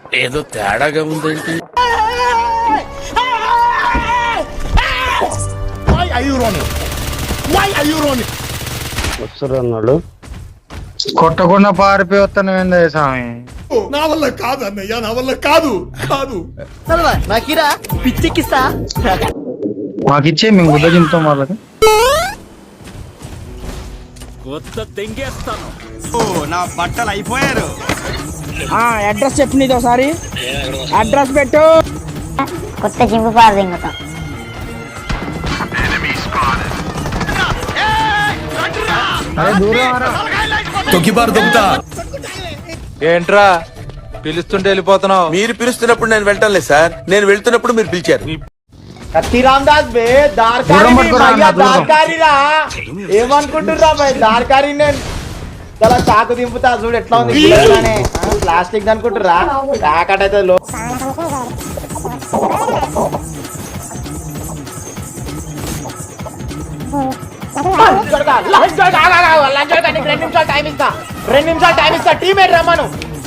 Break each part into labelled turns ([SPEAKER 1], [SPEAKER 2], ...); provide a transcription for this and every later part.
[SPEAKER 1] ఏదో తేడాగా ఉందేంటి?
[SPEAKER 2] వస్తున్నాడు
[SPEAKER 3] కొట్టకుండా పారిపోయి వస్తాను ఏందా స్వామి?
[SPEAKER 4] నా వల్ల కాదు అన్నయ్య, నా వల్ల కాదు కాదు.
[SPEAKER 5] నాకిరా పిచ్చెక్కిస్తా.
[SPEAKER 3] మాకిచ్చే మేము గుడ్డ చింపుతాం వాళ్ళకి.
[SPEAKER 4] నా బట్టలు అయిపోయారు.
[SPEAKER 5] అడ్రస్ చెప్పు నీది ఒకసారి. అడ్రస్ పెట్టు.
[SPEAKER 6] కొత్త చింపు పారు దింగుతాం.
[SPEAKER 1] తొక్కిబారు దొక్కుతా.
[SPEAKER 3] ఏంట్రా పిలుస్తుంటే వెళ్ళిపోతున్నావు?
[SPEAKER 1] మీరు పిలుస్తున్నప్పుడు నేను వెళ్ళటం లేదు సార్, నేను వెళ్తున్నప్పుడు మీరు పిలిచారు.
[SPEAKER 5] రామదాస్ బే దార్కారీరా. ఏమనుకుంటుర్రా బై దార్కారీ? నేను చాలా చాకు దింపుతా చూడు ఎట్లా ఉంది. ప్లాస్టిక్ అనుకుంటుర్రా? ప్యాకెట్ అయితే లో. రెండు నిమిషాలు టైం ఇస్తా. టీమేట్ రమ్మను.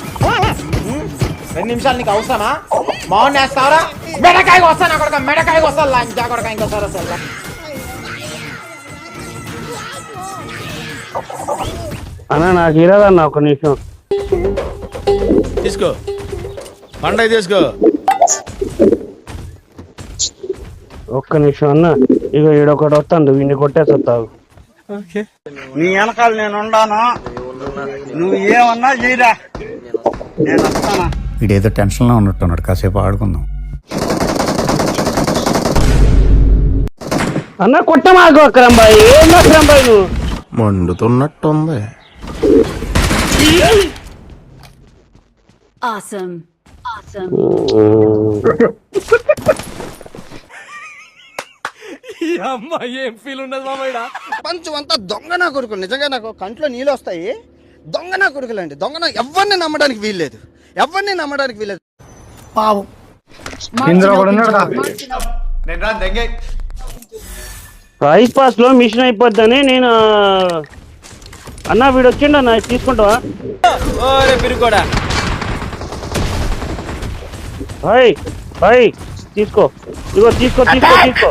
[SPEAKER 5] 2 నిమిషాలు నీకు అవసరమా? మౌన్ వేస్తావరా? మెడకాయకి వస్తాను అక్కడ, మెడకాయకి వస్తాను. లంచా కొడక ఇంకోసారి వస్తా.
[SPEAKER 2] అన్న నాకు ఇరాదన్న ఒక నిమిషం
[SPEAKER 1] తీసుకో, పండగ తీసుకో.
[SPEAKER 2] ఒక్క నిమిషం అన్న. ఇక ఈడొకటి వస్తాను, వీడిని కొట్టేస్తావు.
[SPEAKER 7] నీ వెనకాల నేను ఉండాను, నువ్వు ఏమన్నా చేయరా, నేను వస్తానా.
[SPEAKER 8] వీడేదో టెన్షన్ లో ఉన్నట్టున్నాడు, కాసేపు ఆడుకుందాం.
[SPEAKER 2] అన్న కొట్టమాకు అక్రంబాయి. ఏం అక్రంబాయి నువ్వు?
[SPEAKER 1] మండుతున్నట్టుంది.
[SPEAKER 6] Awesome. Awesome.
[SPEAKER 1] ఏం ఫీల్ ఉండదు మామయ్య.
[SPEAKER 7] ప్రపంచం అంతా దొంగ నా కొడుకులు. నిజంగా నాకు కంట్లో నీళ్ళు వస్తాయి. దొంగ నా కొడుకులు అండి. దొంగ ఎవరిని నమ్మడానికి వీల్లేదు, ఎవరిని నమ్మడానికి వీల్లేదు.
[SPEAKER 5] పావు
[SPEAKER 3] ఇందులో కూడా ఉన్నాడు రా.
[SPEAKER 2] రైస్ పాస్ లో మిషన్ అయిపోద్దని నేను. అన్న వీడు వచ్చిండు అన్న, తీసుకుంటావా? హాయ్ హాయ్, తీసుకో. ఇగో తీసుకో తీసుకో తీసుకో.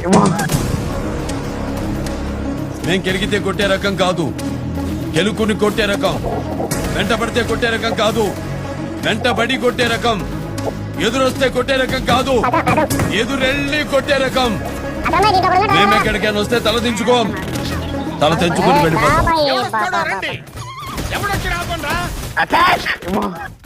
[SPEAKER 1] నేను కెరిగితే కొట్టే రకం కాదు, గెలుకుని కొట్టే రకం. వెంట పడితే కొట్టే రకం కాదు, వెంటబడి కొట్టే రకం. ఎదురొస్తే కొట్టే రకం కాదు, ఎదురెళ్ళి కొట్టే రకం. మేమెక్కడికైనా వస్తే తల దించుకోం, తల తెంచుకొని వెళ్ళిపోతాం.
[SPEAKER 6] Bye.